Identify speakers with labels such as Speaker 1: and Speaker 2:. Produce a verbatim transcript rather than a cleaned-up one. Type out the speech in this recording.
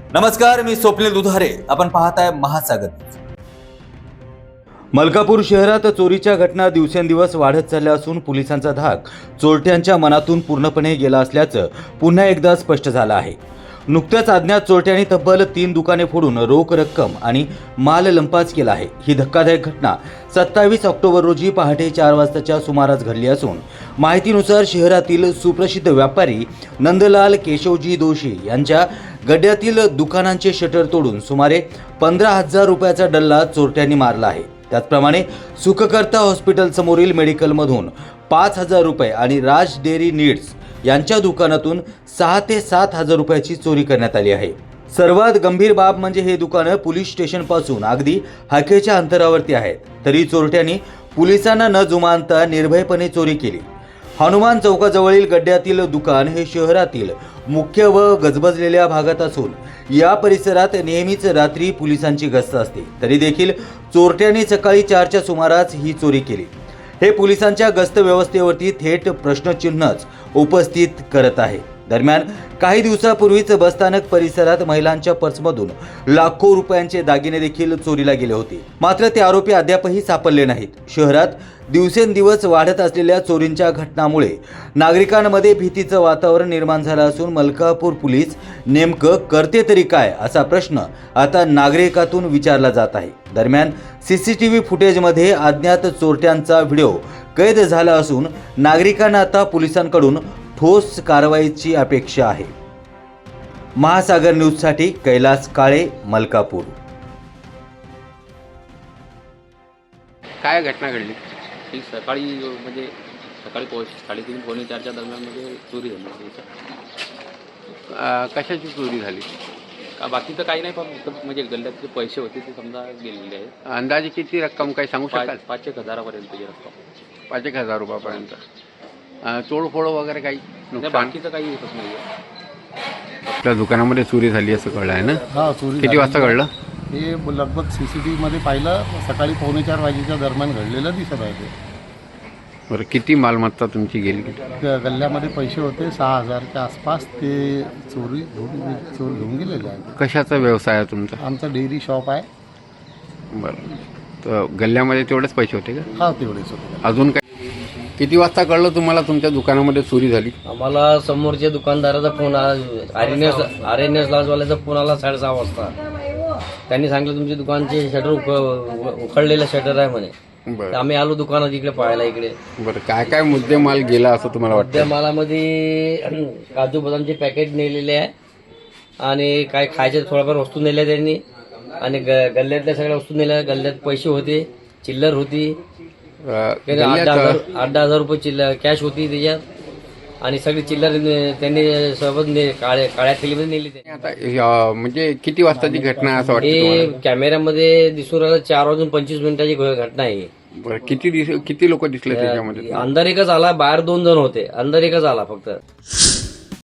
Speaker 1: नमस्कार, मी स्वप्नील दुधारे. आपण पाहताय महासागर. मलकापूर शहरात चोरीच्या घटना दिवसेंदिवस वाढत चालल्या असून पोलिसांचा धाक चोरट्यांच्या मनातून पूर्णपणे गेला असल्याचं पुन्हा एकदा स्पष्ट झालं आहे. नुकत्याच अज्ञात चोरट्यांनी तब्बल तीन दुकाने फोडून रोख रक्कम आणि माल लंपास केला आहे. ही धक्कादायक घटना सत्तावीस ऑक्टोबर रोजी पहाटे चार वाजताच्या सुमारास घडली असून माहितीनुसार शहरातील सुप्रसिद्ध व्यापारी नंदलाल केशवजी दोशी यांच्या गड्ड्यातील दुकानांचे शटर तोडून सुमारे पंधरा हजार रुपयाचा डल्ला चोरट्यांनी मारला आहे. त्याचप्रमाणे सुखकर्ता हॉस्पिटल समोरील मेडिकलमधून पाच हजार रुपये आणि राज डेअरी नीड्स यांच्या दुकानातून सहा ते सात हजार रुपयाची चोरी करण्यात आली आहे. सर्वात गंभीर बाब म्हणजे हे दुकानं पोलीस स्टेशनपासून अगदी हाकेच्या अंतरावरती आहेत. तरी चोरट्यांनी पोलिसांना न जुमानता निर्भयपणे चोरी केली. हनुमान चौकाजवळील गड्ड्यातील दुकान हे शहरातील मुख्य व गजबजलेल्या भागात असून या परिसरात नेहमीच रात्री पोलिसांची गस्त असते. तरी देखील चोरट्यांनी सकाळी चारच्या सुमारास ही चोरी केली. हे पोलिसांच्या गस्त व्यवस्थेवरती थेट प्रश्नचिन्हच उपस्थित करत आहे. दरम्यान काही दिवसापूर्वीच बसस्थानक परिसरात महिलांच्या पर्समधून लाखो रुपयांचे दागिने देखील चोरीला गेले होते. मात्र ते आरोपी अद्यापही सापडले नाहीत. शहरात दिवसेंदिवस वाढत असलेल्या चोरींच्या घटनांमुळे नागरिकांमध्ये भीतीचं वातावरण निर्माण झालं असून मलकापूर पोलीस नेमकं करते तरी काय असा प्रश्न आता नागरिकातून विचारला जात आहे. दरम्यान सीसीटीव्ही फुटेजमध्ये अज्ञात चोरट्यांचा व्हिडिओ कैद झाला असून नागरिकांना आता पोलिसांकडून ठोस कारवाईची अपेक्षा आहे. महासागर न्यूजसाठी कैलास काळे, मलकापूर.
Speaker 2: काय घटना घडली?
Speaker 3: ही सकाळी म्हणजे सकाळी पोच साडेतीन पावणे चारच्या दरम्यानमध्ये चोरी झाली.
Speaker 2: अं, कशाची चोरी झाली?
Speaker 3: का बाकी तर काही नाही, पण फक्त म्हणजे गल्ल्यातले पैसे होते ते समजा गेलेले आहेत.
Speaker 2: अंदाजे किती रक्कम काही सांगू शकाल?
Speaker 3: पाच पाच एक हजारापर्यंतची रक्कम.
Speaker 2: पाच एक हजार रुपयापर्यंत. अं, तोडफोड वगैरे काही
Speaker 3: नाही,
Speaker 2: नुकसान?
Speaker 3: बाकी तर काही येतच नाही आहे.
Speaker 2: आपल्या दुकानामध्ये चोरी झाली असं कळलं आहे ना?
Speaker 4: हा, चोरी
Speaker 2: किती वाजता घडलं?
Speaker 4: हे लगभग सी सी टी व्हीमध्ये पाहिलं सकाळी पावणे चार वाजेच्या दरम्यान घडलेलं दिसत आहे. ते
Speaker 2: बरं, किती मालमत्ता तुमची गेली?
Speaker 4: ग- गल्ल्यामध्ये पैसे होते सहा हजारच्या आसपास. ते चोरी घेऊन चोर घेऊन गेलेले आहे.
Speaker 2: कशाचा व्यवसाय आहे तुमचा?
Speaker 4: आमचं डेअरी शॉप आहे.
Speaker 2: बरं, तर गल्ल्यामध्ये तेवढेच पैसे होते का?
Speaker 4: हा, तेवढेच होते.
Speaker 2: अजून काय? किती वाजता कळलं तुम्हाला तुमच्या दुकानामध्ये चोरी झाली?
Speaker 5: आम्हाला समोरच्या दुकानदाराचा फोन आला, R N S R N S लॉजवाल्याचा फोन आला साडेसहा वाजता. त्यांनी सांगितलं तुमच्या दुकानचे शटर उख उखडलेलं शटर आहे म्हणे. तर
Speaker 2: बरं
Speaker 5: आम्ही आलो दुकानात इकडे पाहायला. इकडे
Speaker 2: बरं, काय काय मुद्दे माल गेला असं तुम्हाला
Speaker 5: त्या
Speaker 2: वाटतं?
Speaker 5: मालामध्ये काजू बदामचे पॅकेट नेलेले आहे आणि काय खायच्या थोड्याफार वस्तू नेल्या त्यांनी आणि ग गल्ल्यातल्या सगळ्या वस्तू नेल्या. गल्ल्यात पैसे होते, चिल्लर होती,
Speaker 2: अं,
Speaker 5: आठ दहा
Speaker 2: गल्ल्यात
Speaker 5: हजार आठ दहा हजार रुपये चिल्लर कॅश होती त्याच्यात आणि सगळी चिल्लर त्यांनी सोबत ने- काळ्या काळ्या थैलीमध्ये नेली. त्यांनी
Speaker 2: आता अं, म्हणजे किती वाजताची घटना आहे असं वाटतं
Speaker 5: हे
Speaker 2: तुम्हाला?
Speaker 5: कॅमेऱ्यामध्ये दिसून राहिलं चार वाजून पंचवीस मिनिटाची घ- घटना आहे.
Speaker 2: बरं, किती दिस किती लोक दिसले त्याच्यामध्ये?
Speaker 5: अंदर एकच आला, बाहेर दोन जण होते. अंदर एकच आला फक्त.